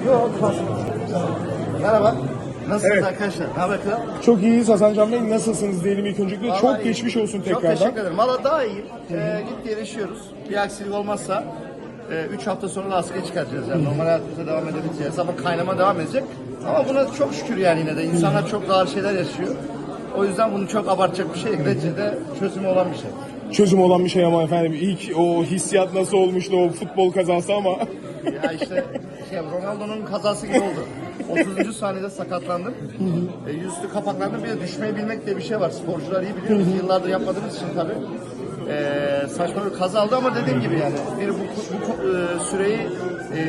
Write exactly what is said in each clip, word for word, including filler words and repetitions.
Yok, kalsın. Merhaba. Nasılsınız Evet. arkadaşlar? Ne haber kral? Çok iyiyiz Hasan Can Bey. Nasılsınız diyelim ilk öncelikle. Vallahi Çok iyi. geçmiş olsun Çok tekrardan. teşekkür ederim. Valla daha iyiyim. Ee, git yaşıyoruz. Bir aksilik olmazsa üç hafta sonra da askıya çıkartacağız. Yani normal hayatımıza devam edebileceğiz. Ama kaynama devam edecek. Ama buna çok şükür yani yine de. İnsanlar çok ağır şeyler yaşıyor. O yüzden bunu çok abartacak bir şey. Neticede çözümü olan bir şey. Çözüm olan bir şey ama efendim ilk o hissiyat nasıl olmuştu o futbol kazası ama. Ya işte şey, Ronaldo'nun kazası gibi oldu. otuzuncu saniyede sakatlandım. E, yüzüstü kapaklandım. Bir de düşmeyi bilmek diye bir şey var. Sporcular iyi biliyor. Biz yıllardır yapmadığımız için tabii. E, saçma bir kaza oldu ama dediğim gibi yani bir bu, bu e, süreyi e,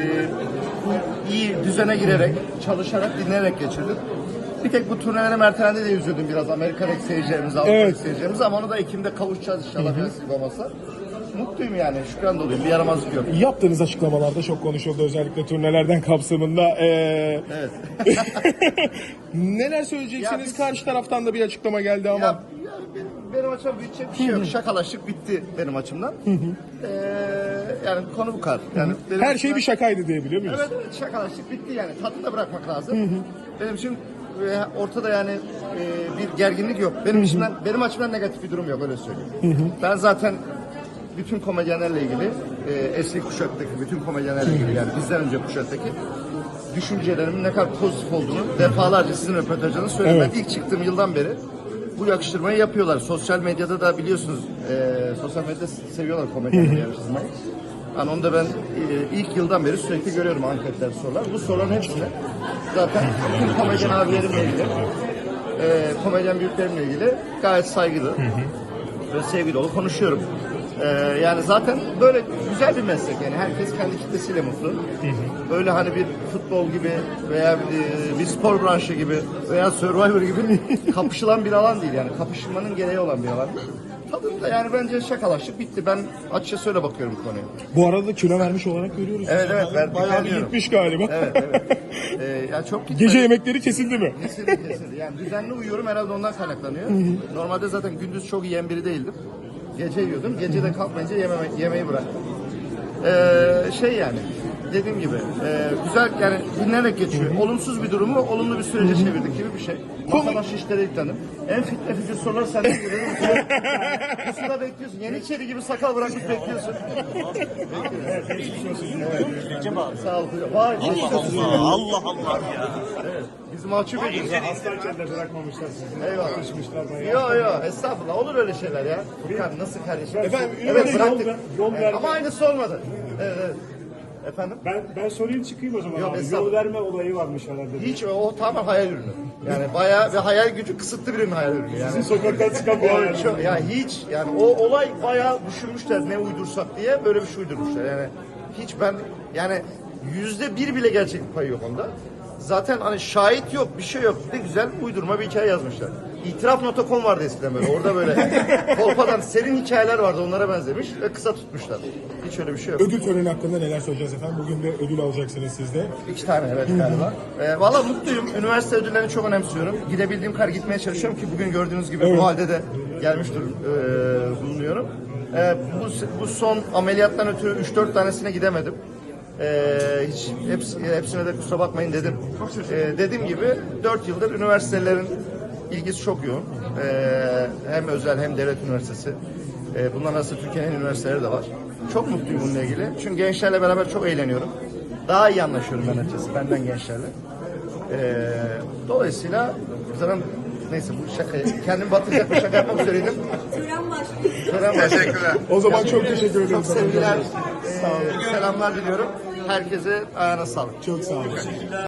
iyi düzene girerek, çalışarak, dinleyerek geçirdim. Bir tek bu turnelerim ertelendi diye üzüldüm biraz Amerika'daki seyircilerimize, Avrupa'daki Evet. seyircilerimize ama onu da Ekim'de kavuşacağız inşallah bir nasip olmasa. Mutluyum yani, şükran doluyum, bir yaramazlık yok. Yaptığınız açıklamalarda çok konuşuldu özellikle turnelerden kapsamında. Ee... Evet. Neler söyleyeceksiniz? Ya biz- Karşı taraftan da bir açıklama geldi ama. Ya, ya benim, benim açımdan büyütecek bir şey yok. Şakalaştık bitti benim açımdan. Ee, yani konu bu kadar. Yani benim Her şey açımdan- bir şakaydı diyebiliyor muyuz? Evet evet, şakalaştık bitti yani. Tadını da bırakmak lazım. Benim için e, ortada yani e, bir gerginlik yok. Benim içimden, benim açımdan negatif bir durum yok, öyle söyleyeyim. Ben zaten bütün komedyenlerle ilgili, e, eski kuşaktaki bütün komedyenlerle ilgili, yani bizden önce kuşaktaki düşüncelerimin ne kadar pozitif olduğunu defalarca sizin röportajlarınızda söyledim. Evet. Ben ilk çıktığım yıldan beri bu yakıştırmayı yapıyorlar. Sosyal medyada da biliyorsunuz, e, sosyal medyada seviyorlar komedyenleri yarıştırmayı. Yani onu da ben e, ilk yıldan beri sürekli görüyorum, anketler, sorular. Bu soruların hepsine zaten bütün komedyen abilerimle ilgili, e, komedyen büyüklerimle ilgili gayet saygılı ve sevgi dolu konuşuyorum. E, yani zaten böyle güzel bir meslek yani, herkes kendi kitlesiyle mutlu. Böyle hani bir futbol gibi veya bir, bir spor branşı gibi veya Survivor gibi kapışılan bir alan değil yani, kapışmanın gereği olan bir alan. Tadında yani bence şakalaştık bitti. Ben açıkça öyle bakıyorum bu konuya. Bu arada kilo vermiş olarak görüyoruz. Evet evet, ben Bayağı bir dinleniyorum. gitmiş galiba. Evet evet. Ee, yani çok gitmedi. Gece yemekleri kesildi mi? Kesildi kesildi. Yani düzenli uyuyorum, herhalde ondan kaynaklanıyor. Normalde zaten gündüz çok yiyen biri değildim. Gece yiyordum. Gece de kalkmayınca yememe, yemeği bıraktım. Ee, şey yani dediğim gibi e, güzel yani, dinlenerek geçiyor. Olumsuz bir durumu olumlu bir sürece çevirdik gibi bir şey. Masa başı işlere yüklendim. En fitne fücür sorular senden geliyor. Pusuda bekliyorsun. Yeniçeri gibi sakal bırakmış bekliyorsun. Evet. Sağ ol. Vay, Allah Allah Allah ya. evet. Biz mahcup ediyoruz. Hastayken de bırakmamışlar sizi. Eyvallah. Yakışmışlar bayağı. Yok yok, estağfurullah, olur öyle şeyler ya. Furkan nasıl kardeşim? Efendim, evet üniversite bıraktık. yol ver- yol Evet, verme. ama aynısı olmadı. Evet, evet. Efendim? Ben, ben sorayım çıkayım o zaman Yok, abi. estağfurullah. Yol verme olayı varmış herhalde. Hiç, o tamamen hayal ürünü. Yani bayağı ve hayal gücü kısıtlı birinin hayal ürünü yani. Sizin sokaktan çıkan bir O, hayal. çok, yani hiç yani o olay bayağı düşünmüşler ne uydursak diye, böyle bir şey uydurmuşlar yani. Hiç ben yani yüzde bir bile gerçeklik payı yok onda. Zaten hani şahit yok, bir şey yok. Ne güzel uydurma bir hikaye yazmışlar. İtiraf nokta com vardı eskiden böyle. Orada böyle kolpadan serin hikayeler vardı, onlara benzemiş ve kısa tutmuşlar. Hiç öyle bir şey yok. Ödül töreni hakkında neler söyleyeceğiz efendim? Bugün de ödül alacaksınız siz de. İki tane evet galiba. Ee, Valla mutluyum. Üniversite ödüllerini çok önemsiyorum. Gidebildiğim kadar gitmeye çalışıyorum ki bugün gördüğünüz gibi Evet. bu halde de gelmiş durum, e, bulunuyorum. E, bu, bu son ameliyattan ötürü üç dört tanesine gidemedim. E, hiç hepsi, hepsine de kusura bakmayın dedim. E, dediğim gibi dört yıldır üniversitelerin ilgisi çok yoğun. E, hem özel hem devlet üniversitesi. E, bunların arasında Türkiye'nin üniversiteleri de var. Çok mutluyum bununla ilgili. Çünkü gençlerle beraber çok eğleniyorum. Daha iyi anlaşıyorum ben açıkçası benden gençlerle. Ee, dolayısıyla zaten neyse, bu şakayı kendimi batıracak bir şaka yapmak üzereydim. Tören başlıyor. Tören var. Teşekkürler. O zaman çok teşekkür ederim. Çok sevgiler, e, selamlar diliyorum. Herkese ayağına sağlık. Çok sağ olun.